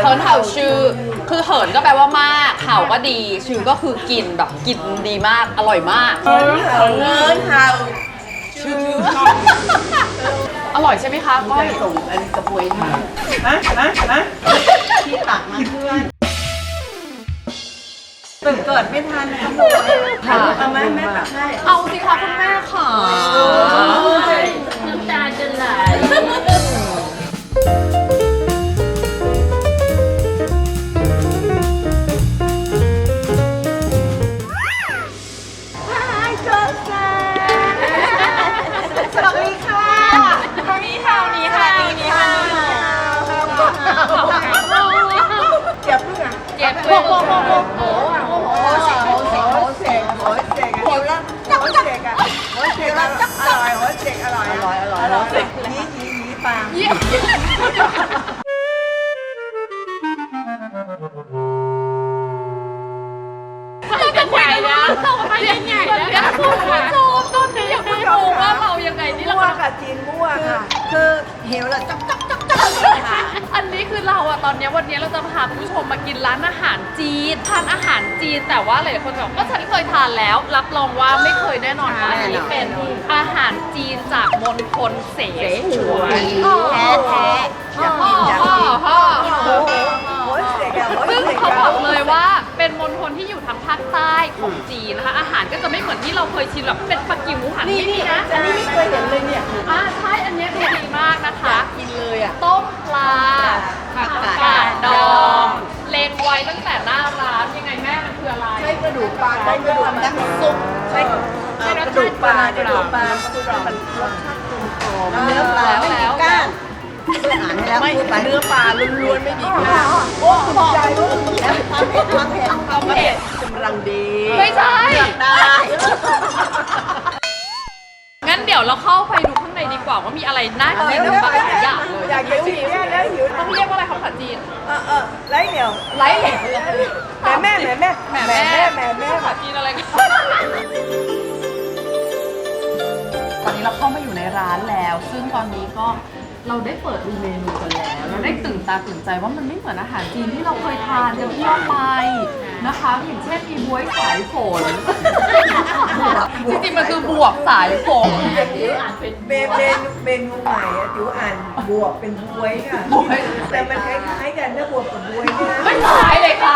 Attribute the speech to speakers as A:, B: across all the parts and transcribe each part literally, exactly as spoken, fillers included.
A: เหินเห่าชื่อคือเหินก็แปลว่ามากเห่าก็ดีชื่อก็คือกินแบบกินดีมากอร่อยมากเหินเห่าเหินเห่าชื่ออร่อยใช่ไหมคะก้อยส่งอันกระบวยมานะนะนะที่ตักมาเพื่อนตื่นเกิดไม่ทันนะคะค่ะเอาไหมแม่ตักให้เอาสิคะคุณแม่ค่ะน้ำตาจะไหลเราจะใหญ่แล้วเราไปยังไงแล้วคุณผู้ชมตอนนี้ยังไม่รู้ว่าเรายังไงนี่เราค่ะจีนมั่วค่ะคือเหวละจับจับจับจับอันนี้คือเราอะตอนนี้วันนี้เราจะพาคุณผู้ชมมากินร้านอาหารจีนทานอาหารจีนแต่ว่าหลายคนบอกก็ฉันเคยทานแล้วรับรองว่าไม่เคยแน่นอนอันนี้เป็นอาหารจีนจากมณฑลเสฉวนแท้แท้ฮ่อฮ่อฮ่อซึ่งเขาบอกเลยว่าเป็นมณฑลที่อยู่ทางภาคใต้ของจีนนะคะอาหารก็จะไม่เหมือนที่เราเคยชินแบบเป็นปักกิ่งหมูหันนี่นะอันนี้ไม่เคยเห็นเลยเนี่ยอ่าใช่อันนี้ดีมากนะคะกินเลยอ่ะต้มปลาผักกาดดองเลงไว้ตั้งแต่หน้าร้านยังไงแม่มันคืออะไรใช่กระดูกปลาใช่กระดูกน้ำซุปใช่กระดูกปลากระดูกปลามันรสชาติกลมกล่อมเนื้อปลาไม่มีก้างไม่เนื้อปลาล้วนๆไม่มีก้างโอ้ถูกใจแล้วความเผ็ดความเผ็ดความเผ็ดกำลังดีไม่ใช่ได้งั้นเดี๋ยวเราเข้าไปดูข้างในดีกว่าว่ามีอะไรน่ากินบ้างหลายอย่างเลยอยากหิวหิวแล้วหิวต้องเรียกว่าอะไรภาษาจีนเออเออไร้เหนียวไร้เหนียวแม่แม่แม่แม่แม่แม่แม่แม่ภาษาจีนอะไรกันตอนนี้เราเข้ามาอยู่ในร้านแล้ว ซึ่งตอนนี้ก็เราได้เปิดดูเมนูกันแล้วเราได้ตื่นตาตื่นใจว่ามันไม่เหมือนอาหารจีนที่เราเคยทานกันทั่วไปนะคะอย่างเช่นมีบ๊วยสายฝนจริงๆมันคือบวบสายฝน
B: อ่านเป็นเมนูเมนูใหม่อะจิ๋วอ่านบวบเป็นบ๊วยค่ะแต่มันคล้ายๆกันนะบวบกับบ๊วยเนี่ย
A: ไม่คล้ายเลยค่ะ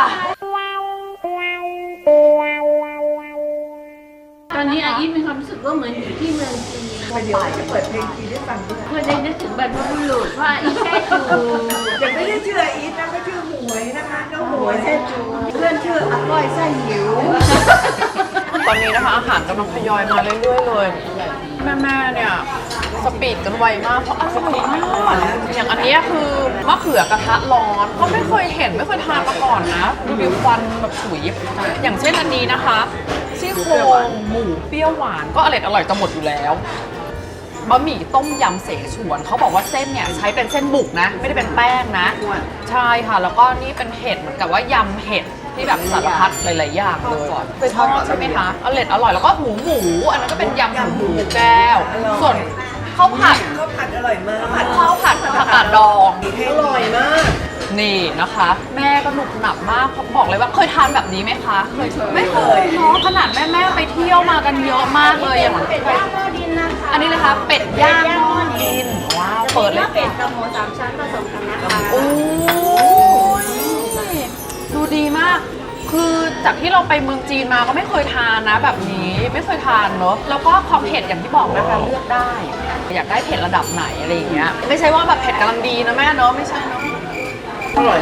C: ตอนนี้อาอีทมีความรู้สึกว่าเหมือนอยู่ที่เมืองจีน
B: เดี๋ยวจะเปิดเพลงจีนให้ฟังด้วย
C: เพื่อได้นึกถึงบรรพบุรุษว่าอีทแท้จู
B: แต่ไม่ได้ชื่ออีทนะก็ชื่อหมวยนะคะน้องหมวยแท้จูเพื่อนชื่ออร่อยไส้หิว
A: ตอนนี้นะคะอาหารกำลังทยอยมาเรื่อยๆเลยแม่ๆเนี่ยสปีดกันไวมากเพราะอร่อยมากอย่างอันนี้คือมะเขือกระทะร้อนก็ไม่เคยเห็นไม่เคยทานมาก่อนนะดูดิควันแบบฉุยอย่างเช่นอันนี้นะคะซี่โครงหมูเปรี้ยวหวานก็อร่อยอร่อยจะหมดอยู่แล้วบะหมี่ต้มยำเสฉวนเขาบอกว่าเส้นเนี่ยใช้เป็นเส้นบุกนะไม่ได้เป็นแป้งนะใช่ค่ะแล้วก็นี่เป็นเห็ดเหมือนกับว่ายำเห็ดที่แบบสารพัดหลายๆอย่างเลยเคยทอดใช่ไหมคะอร่อยอร่อยแล้วก็หมูหมูอันนั้นก็เป็นยำหมูหมูแก้วส่วนข้าวผัด
B: ข้าวผัดอร่อยมาก
A: ข้าวผัดผักกาดดอง
B: อร่อยมาก
A: นี่นะคะแม่ก็หนุกหนับมากบอกเลยว่าเคยทานแบบนี้ไหมคะเคยไม่เคยเนาะขนาดแม่แม่ไปเที่ยวมากันเยอะมากเลยอย่าง
C: เป็ดย่างหม้อดินนะคะ
A: อันนี้เลยคะเป็ดย่างหม้อดินว้าวเปิดเลย
C: เป็ดกับหมูสามชั้นผสมกันนะคะ
A: โอ้ยดูดีมากคือจากที่เราไปเมืองจีนมาก็ไม่เคยทานนะแบบนี้ไม่เคยทานเนอะแล้วก็ความเผ็ดอย่างที่บอกนะคะเลือกได้อยากได้เผ็ดระดับไหนอะไรอย่างเงี้ยไม่ใช่ว่าแบบเผ็ดกำลังดีนะแม่เนอะไม่ใช่เนอะ
B: อร่อย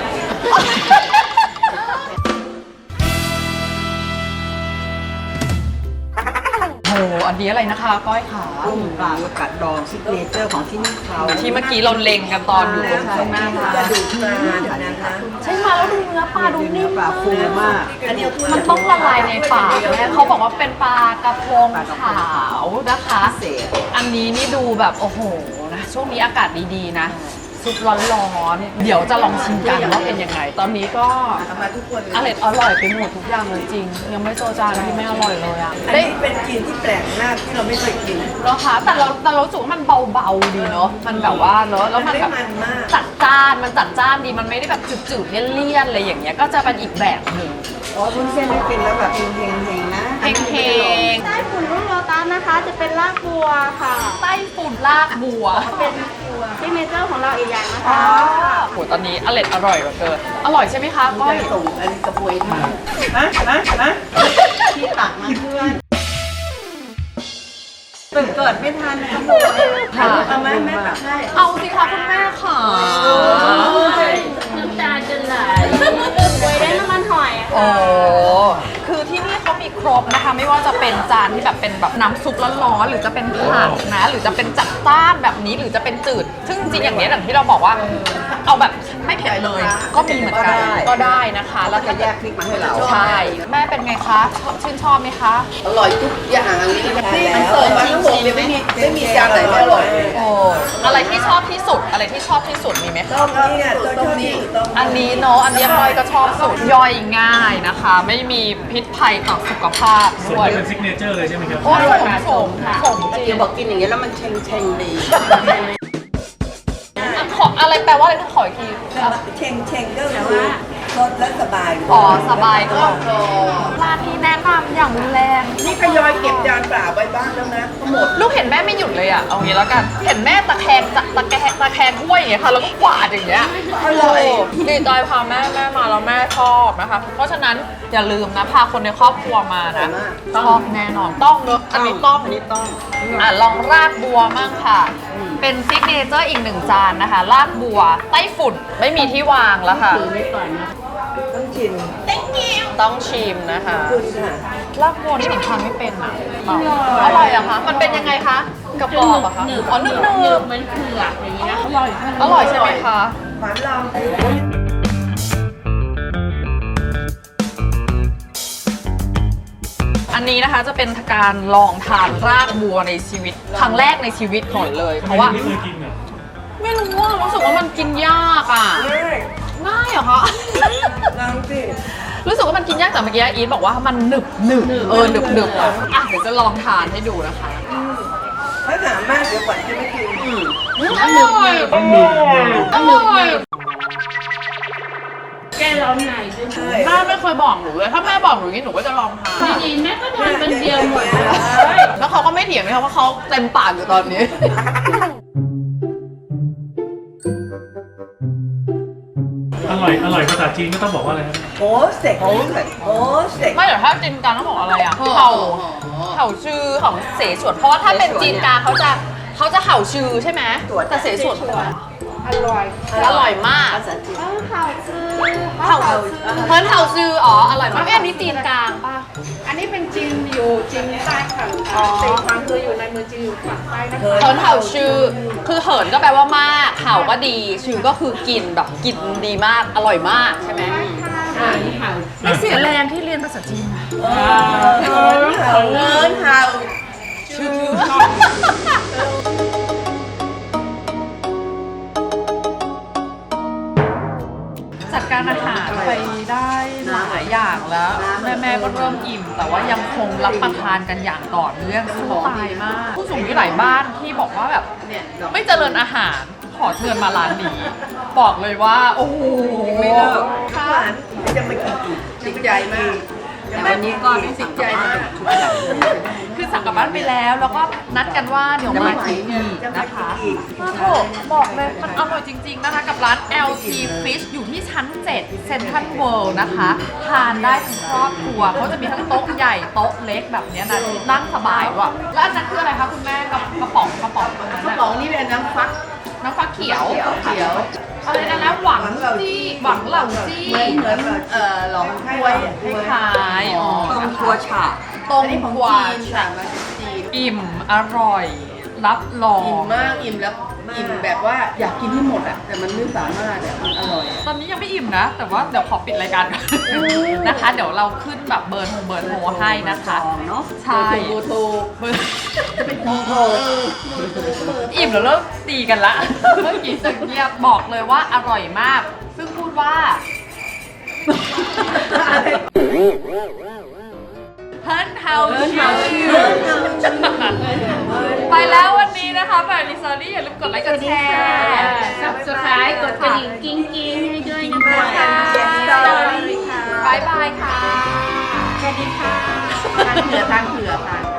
A: โอ้อันนี้อะไรนะคะก้อยขา
B: ต้มปลาผักกาดดองซิกเนเจอร์ของที่นี่เขา
A: ที่เมื่อกี้เราเล็งกันตอนอยู่ตรงข้างหน้าร้าน
B: กระดูกปลานะคะ
A: ใช่มาแล้วดูเนื้อปลาดูนิ่ม
B: ปลาฟูมาก
A: อันนี้มันต้องละลายในปากแม่เขาบอกว่าเป็นปลากระพงขาวนะคะอันนี้นี่ดูแบบโอ้โหนะช่วงนี้อากาศดีๆนะซุปร้อนๆเดี๋ยวจะลองชิมกันว่าเป็นยังไง ตอนนี้ก็
B: เอามาทุกคนเลย
A: อร่อยอร่อยไปหมดทุกอย่างเลยจริง ยังไม่เจอจานที่ไม่อร่อยเลยอ่ะ
B: อัน
A: ได้
B: นี้เป็นกลิ่นที่แปลกมากที่เราไม่เคยกิน
A: เหรอคะแต่เราแต่เรารู้สึกว่ามันเบาๆดีเนาะมันแบบว่าเนาะแล้วมันแบบ
B: ไม่มันมาก
A: จัดจ้านมันจัดจ้านดีมันไม่ได้แบบจืดๆเลี่ยนๆอะไรอย่างเงี้ยก็จะเป็นอีกแบบหนึ่ง
B: อ๋อวุ้นเส้นไม่กินแล้วแบบเฮงๆเฮงๆนะ
A: เพลงเพลง
C: ใต้ฝุ่นรุ่งโลตัสนะคะ จะเป็นรากบัวค่ะ
A: ไต้ฝุ่นลากบัว
C: เป็นซิกเนเจอร์ของเราอีกอย่างนะ
A: อ๋อ
C: คะ
A: โหตอนนี้อร่อยอร่อยเหลือเกินอร่อยใช่ไหมคะก้อย
B: ส่งอันกระบวยมาฮะฮะฮะที่ตักมาเพื่อนเปิดเกิดไม่ทันกระบวยเอาไหมแม่ตักให้
A: เอาสิคะคุณแม่ค่ะ
C: น้ำตาจะไหลไว้ได้น้ำมันหอยอะ
A: โอ้
C: ค่ะ
A: คือที่นี่เขามีครบนะคะ ไม่ว่าจะเป็นจานที่แบบเป็นแบบน้ำซุปร้อนๆหรือจะเป็นผักนะ หรือจะเป็นจัดจ้านแบบนี้หรือจะเป็นจืด ซึ่งจริงๆอย่างนี้อย่างที่เราบอกว่า เอาแบบไม่เผ็ดเลย ก็มีเหมือนกันก็ได้นะคะแล้ว
B: จะ
A: ก็
B: แยกพริกมาให้เรา
A: ใช่แม่เป็นไงคะชอบชื่นชอบไหมคะ
B: อร่อยทุกอย่างนี่มันเสิร์ฟมาทั้งหมดเลยไม่มีไม่มีจานไหนไม่อร่อย
A: โอ้อะไรที่ชอบที่สุดอะไรที่ชอบที่สุดมีไหมคะ
B: ต้มนี่เนี่ยต้มนี่ต้ม
A: อันนี้เนาะอันนี้ก้อยก็ชอบสุดย่อยง่ายนะคะ ไม่มีพิษภัยต่อสุขภาพ
D: ส่
A: ด้
D: ว
A: วน ย
D: เป็นซิกเนเจอร์เลยใช่ไหมครับ
A: โอ้ยสมสมสมจริ
B: เดี๋ย
A: ง
B: วบอกกินอย่างเงี้ยแล้วมันเชงเชงดี
A: อ่ะขออะไรแปลว่าอะไรต้องขออีกที
B: เชงเชงก็คือรสและสบาย
A: อ๋อสบายก็ร้านที่แนะนำอย่างรุนแรง
B: นี่ทยอยเก็บจานเปล่าไว้บ้างแล้วนะทั้งหมด
A: ลูกเห็นแม่ไม่หยุดเลยอ่ะเอางี้แล้วกัน เห็นแม่ตะแคงจะตะแคงตะแคงถ้วยอย่างเงี้ยค่ะแล้วก็กวาดอย่างเงี้ย
B: อร่อย
A: โดีใจพาแม่แม่มาแล้วแม่ชอบนะคะ เพราะฉะนั้นอย่าลืมนะพาคนในครอบครัวมานะชอบแน่นอนต้องเนอะอันนี้ต้อง
B: อันนี้ต้อง
A: อ่ะลองรากบัวมั่งค่ะ เป็นซิกเนเจอร์อีกหนึ่งจานนะคะรากบัวไต้ฝุ่นไม่มีที่วางแล้วค่ะ
C: ถือไว้ก่อนนะ
B: ต้องชิม
A: ต้องชิมนะคะ
B: คุณค่ะ
A: รากบัวที่หนูทานไม่เป็นอ่ะอร่อยเหรอะคะมันเป็นยังไงคะกระ
C: จะ
A: ป๋อ
C: หนึ
A: บบ อะคะ
C: หนึบ
A: อ๋อนึบ
C: หนึ
A: นึ
C: บบ เหมือนเผือกอย่างนี้นะอร่อย
A: อร่อยใช่ไหมคะ
B: หวานลอง
A: อันนี้นะคะจะเป็นการลองทานรากบัวในชีวิตครั้งแรกในชีวิตก่อนเลย เพราะว่า
D: ไม่เคยกินเหรอ
A: ไม่รู้ว่ารู้สึกว่ามันกินยากอ่ะ
B: ง่าย
A: ง่ายเหรอคะ
B: ลองสิ
A: รู้สึกว่ามันกินยากแต่เมื่อกี้อีทบอกว่ามันหนึบหนึบเออหนึบหนึบอ่ะอ่ะเดี๋ยวจะลองทานให้ดูนะคะ
B: ถ้าถามมากเดี๋ยวก่อนจะไม่กิน
A: อร่อยอร่อย
C: แก้ร้อนในด้วย
B: ใช่
A: แม่ไม่เคยบอกหนูเลย ถ้าแม่บอกหนูอย่างนี้หนูก็จะลองทาน
C: จริงๆแม่ก็ทานเป็นเดียวหมดเลย
A: แล้วเขาก็ไม่เถียงนะคะว่าเขาเต็มปากอยู่ตอนนี้
D: อร่อย อร่อยภาษาจีนก็ต้องบอกว่าอะไรครับ
B: โอ้เสกโอ้เสกโอ้เสก
A: ไม่เดี๋ยวถ้าจีนกลางต้องบอกอะไรอ่ะเห่าเห่าชื่อของเสฉวน เพราะว่าถ้าเป็นจีนกลางเขาจะเขาจะเห่าชื่อใช่ไหมแต่เสฉวน
C: อร่อย
A: อร่อยมาก
B: ภาษาจีน
C: ข้าวขาวซื้อ
A: เห่าเฮิร์นเห่าชื่ออ๋ออร่อยมากเอ้ยอันนี้จีนกลางป่ะ
C: อันนี้เป็นจีนอยู่จีนใต้ค่ะตีความคืออยู่ในเมืองจีนอยู่ฝั่งใต้นะคะ
A: เฮิร์นเห่าชื่อคือเหินก็แปลว่ามากเห่าก็ดีชื่อก็คือกินแบบกินดีมากอร่อยมากใช่ไหม
C: อ่านี่ค่ะ
A: ไม่เสียแรงที่เรียนภาษาจีนนะ
B: เงินเห่าเงินเห่า
A: ชื่อจัดการอาหารไปได้หลายอย่างแล้ว แม่แม่ๆก็เริ่มอิ่ม แต่ว่ายังคงรับประทานกันอย่างต่อเนื่องสู้ตายมาก ผู้สูงอายุหลายบ้านที่บอกว่าแบบไม่เจริญอาหารขอเชิญมาร้านนี้ บอกเลยว่า โอ้โห
B: ไม่เลิกหวานจะมากินอีกติดใจมากวันนี้ก็ไม่ติดใจมาก
A: คือสั่งกลับบ้านไปแล้ว แล้วก็นัดกันว่าเดี๋ยวมากินอีกนะคะมาโถบอกเลยมันอร่อยจริง ๆ นะคะ กับร้าน แอล ที Fish อยู่ที่ชั้น เจ็ด Central World นะคะ ทานได้ทั้งครอบครัวเขาจะมีทั้งโต๊ะใหญ่โต๊ะเล็กแบบเนี้ยนะนั่งสบายด้วยแล้วอันนั้นคืออะไรคะคุณแม่กระกระป๋องกระป๋องตรงนั้น
B: กระ
A: น่ะ
B: ป๋องนี่เป็นน้ำฟัก
A: น้ำฟ้าเขียว
B: เขียว
A: อะไรนะนะหวังจี้หวังเหล่าจี้
B: เหมือนเหมือนเอ่อหลองกล้วย
A: คล้ายๆอ๋อ
B: ต้มครัวฉา
A: ต้มกวา
B: ฉามาจากจีน
A: อิ่มอร่อย รับรอง
B: อิ่มมากอิ่มแล้วมาก
C: อิ่มแบบว่าอยากกินให้หมดอ่ะแต่มันไม่สามารถอ่ะมันอร่อยอะ
A: ตอนนี้ยังไม่อิ่มนะ แต่ว่าเดี๋ยวขอปิดรายการก่อนนะคะ เดี๋ยวเราขึ้นแบบเบอร์โทรเบอร์โทรให้นะคะ
C: เนาะ
A: ใช่
C: โทรโทร
A: เบอร์
C: จะเป็นโทรโทร
A: อิ่มแล้วเริ่มตีกันละ เมื่อกี้สึกเงียบบอกเลยว่าอร่อยมาก ซึ่งพูดว่าเฮิร์นเฮาชิวไปแล้ววันนี้นะคะแบบลิซอรี่อย่าลืมกดไลค์กดแชร์
C: ซับสไครต์กดกระดิ่งกิ้งกิ้งให้ด้วยนะ
B: มา
C: คะ
B: ค่ะสตอรี่ค่ะ
A: บายบายค่ะ
C: สวัสดีค่ะทานเผื่อทานเผื่อค่ะ